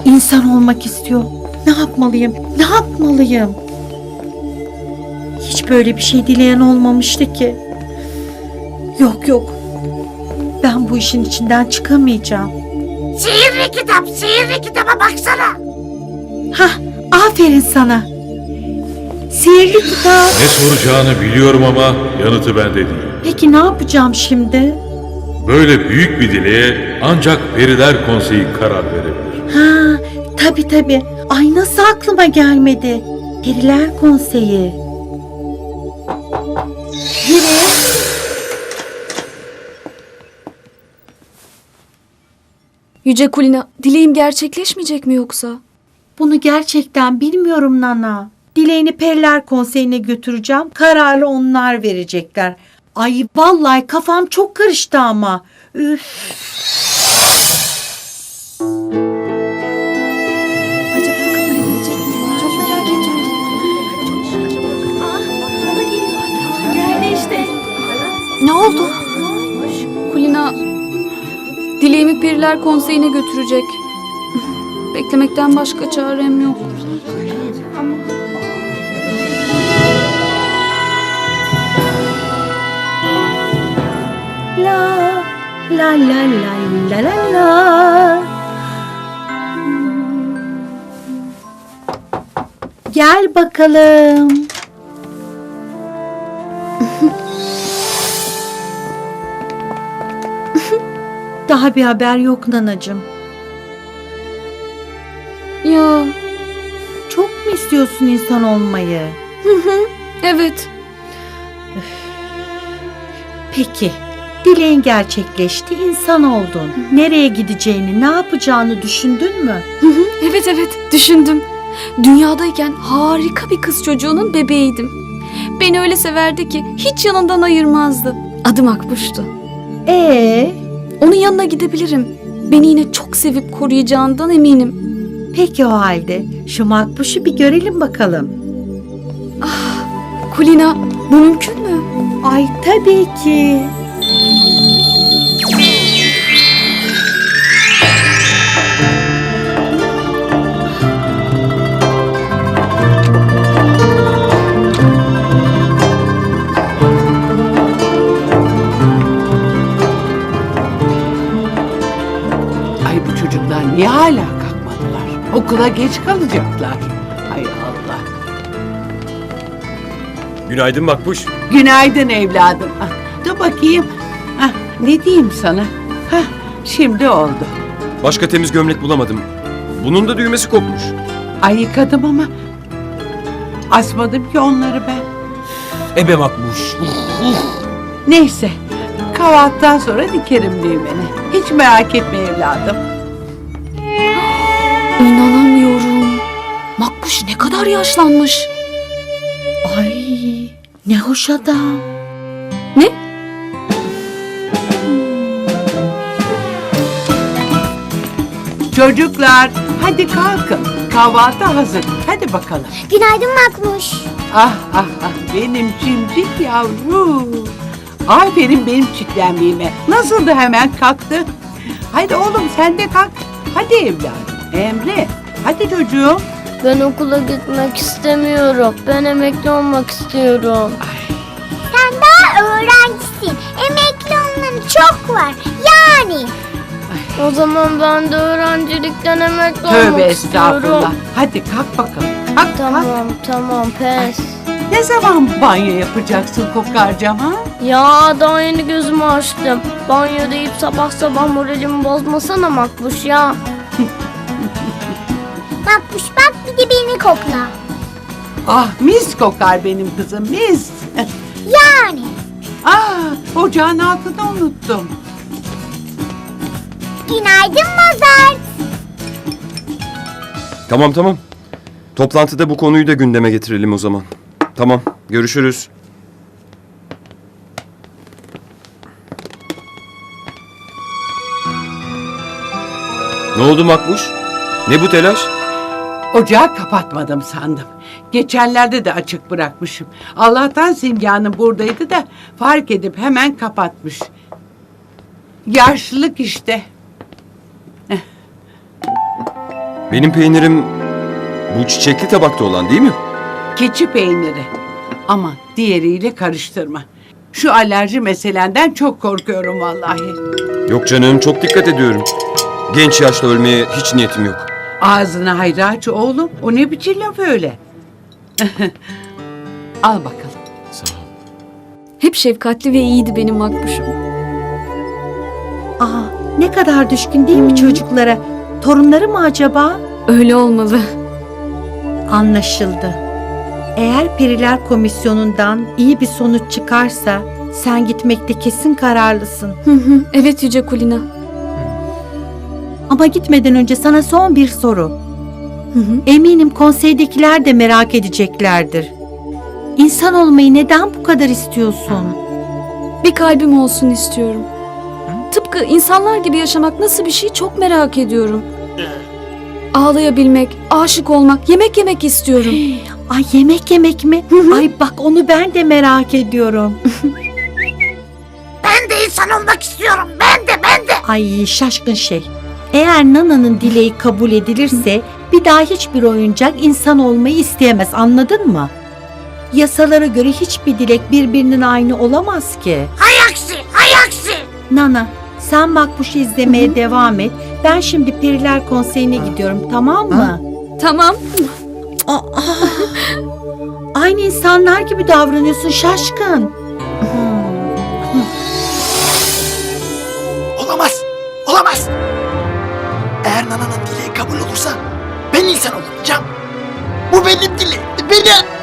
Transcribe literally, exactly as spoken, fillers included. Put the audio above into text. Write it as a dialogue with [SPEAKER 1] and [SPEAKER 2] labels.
[SPEAKER 1] İnsan olmak istiyor. Ne yapmalıyım? Ne yapmalıyım? Hiç böyle bir şey dileyen olmamıştı ki. Yok yok. Ben bu işin içinden çıkamayacağım.
[SPEAKER 2] Sihirli kitap, sihirli kitaba baksana.
[SPEAKER 1] Hah, aferin sana. Sihirli kitap.
[SPEAKER 3] Ne soracağını biliyorum ama yanıtı bende değil.
[SPEAKER 1] Peki ne yapacağım şimdi?
[SPEAKER 3] Böyle büyük bir dileğe ancak Periler Konseyi karar verebilir.
[SPEAKER 1] Ha, tabii tabii. Ay nasıl aklıma gelmedi? Periler Konseyi. Peri.
[SPEAKER 4] Yüce Kulina, dileğim gerçekleşmeyecek mi yoksa?
[SPEAKER 1] Bunu gerçekten bilmiyorum Nana. Dileğini Periler Konseyi'ne götüreceğim. Kararı onlar verecekler. Ay vallahi kafam çok karıştı ama. Üf.
[SPEAKER 4] Acaba kabul edilecek mi? Çok merak ediyorum. Geldi işte. Ne oldu? Kulina, dileğimi Periler Konseyi'ne götürecek. Beklemekten başka çarem yok.
[SPEAKER 1] La la la la la la la. Gel bakalım. Daha bir haber yok nanacığım.
[SPEAKER 4] Ya,
[SPEAKER 1] Çok mu istiyorsun insan olmayı?
[SPEAKER 4] evet.
[SPEAKER 1] Peki. Dileğin gerçekleşti, insan oldun. Nereye gideceğini, ne yapacağını düşündün mü?
[SPEAKER 4] Evet evet, düşündüm. Dünyadayken harika bir kız çocuğunun bebeğiydim. Beni öyle severdi ki hiç yanından ayırmazdı. Adı Makbuş'tu.
[SPEAKER 1] Ee,
[SPEAKER 4] Onun yanına gidebilirim. Beni yine çok sevip koruyacağından eminim.
[SPEAKER 1] peki o halde şu makbuşu bir görelim bakalım.
[SPEAKER 4] Kulina, bu mümkün mü?
[SPEAKER 1] Ay tabii ki.
[SPEAKER 2] Ay bu çocuklar niye hala kalkmadılar? Okula geç kalacaklar. Hay Allah.
[SPEAKER 5] Günaydın Makbuş.
[SPEAKER 2] Günaydın evladım. Ah, dur bakayım. Ah, ne diyeyim sana? Hah, şimdi oldu.
[SPEAKER 5] Başka temiz gömlek bulamadım. Bunun da düğmesi kopmuş.
[SPEAKER 2] Ay yıkadım ama asmadım ki onları ben.
[SPEAKER 5] Ebe Makbuş.
[SPEAKER 2] Neyse, kahvaltıdan sonra dikerim düğmeni. Hiç merak etme evladım.
[SPEAKER 4] İnanamıyorum. Makbuş ne kadar yaşlanmış.
[SPEAKER 1] Ay ne hoş adam.
[SPEAKER 4] Ne?
[SPEAKER 2] Çocuklar, hadi kalkın. Kahvaltı hazır. Hadi bakalım.
[SPEAKER 6] Günaydın Makmuş.
[SPEAKER 2] Ah ah ah, benim cimcik yavrum. Aferin benim çitlenmeyime. Nasıl da hemen kalktı. Hadi oğlum sen de kalk. Hadi evladım. Emre, hadi çocuğum.
[SPEAKER 6] Ben okula gitmek istemiyorum. Ben emekli olmak istiyorum. Sen daha öğrencisin. Emekli olmanın çok var. Yani. O zaman ben de öğrencilikten emekli
[SPEAKER 2] Tövbe
[SPEAKER 6] olmak
[SPEAKER 2] estağfurullah.
[SPEAKER 6] istiyorum.
[SPEAKER 2] Hadi kalk bakalım. Kalk kalk.
[SPEAKER 6] Tamam tamam pes.
[SPEAKER 2] Ne zaman banyo yapacaksın kokarcam ha?
[SPEAKER 6] Ya daha yeni gözümü açtım. Banyo deyip sabah sabah moralimi bozmasana Makbuş ya. Makbuş bak bir de beni kokla.
[SPEAKER 2] Ah mis kokar benim kızım mis.
[SPEAKER 6] Yani.
[SPEAKER 2] Ah ocağın altını unuttum.
[SPEAKER 6] Günaydın Mozart.
[SPEAKER 5] Tamam tamam. Toplantıda bu konuyu da gündeme getirelim o zaman. Tamam, görüşürüz. Ne oldu Makbuş? Ne bu telaş?
[SPEAKER 2] Ocağı kapatmadım sandım. Geçenlerde de açık bırakmışım. Allah'tan Simge Hanım buradaydı da fark edip hemen kapatmış. Yaşlılık işte.
[SPEAKER 5] Benim peynirim bu çiçekli tabakta olan değil mi?
[SPEAKER 2] Keçi peyniri. Ama diğeriyle karıştırma. Şu alerji meselenden çok korkuyorum vallahi.
[SPEAKER 5] Yok canım, çok dikkat ediyorum. Genç yaşta ölmeye hiç niyetim yok.
[SPEAKER 2] Ağzına hayra aç oğlum. O ne biçim laf öyle? Al bakalım.
[SPEAKER 5] Sağ ol.
[SPEAKER 4] Hep şefkatli ve iyiydi benim makbuşum.
[SPEAKER 1] Aa, ne kadar düşkün değil mi çocuklara? Torunları mı acaba?
[SPEAKER 4] Öyle olmalı.
[SPEAKER 1] Anlaşıldı. Eğer Periler Komisyonu'ndan iyi bir sonuç çıkarsa sen gitmekte kesin kararlısın.
[SPEAKER 4] Hı hı, evet Yüce Kulina.
[SPEAKER 1] Ama gitmeden önce sana son bir soru.
[SPEAKER 4] Hı hı.
[SPEAKER 1] Eminim konseydekiler de merak edeceklerdir. İnsan olmayı neden bu kadar istiyorsun?
[SPEAKER 4] Bir kalbim olsun istiyorum. Tıpkı insanlar gibi yaşamak nasıl bir şey çok merak ediyorum. Ağlayabilmek, aşık olmak, yemek yemek istiyorum.
[SPEAKER 1] Ay yemek yemek mi? Ay bak onu ben de merak ediyorum.
[SPEAKER 7] Ben de insan olmak istiyorum. Ben de ben de.
[SPEAKER 1] Ay şaşkın şey. Eğer Nana'nın dileği kabul edilirse bir daha hiçbir oyuncak insan olmayı isteyemez, anladın mı? Yasalara göre hiçbir dilek birbirinin aynı olamaz ki.
[SPEAKER 7] Hay aksi, hay aksi.
[SPEAKER 1] Nana, sen Makbuş'u izlemeye devam et. Ben şimdi Periler Konseyi'ne gidiyorum, tamam mı?
[SPEAKER 4] Tamam.
[SPEAKER 1] Aa, aynı insanlar gibi davranıyorsun şaşkın.
[SPEAKER 7] Olamaz, olamaz. Eğer Nana'nın dileği kabul olursa ben insan olacağım. Bu benim dileğimdi, benim.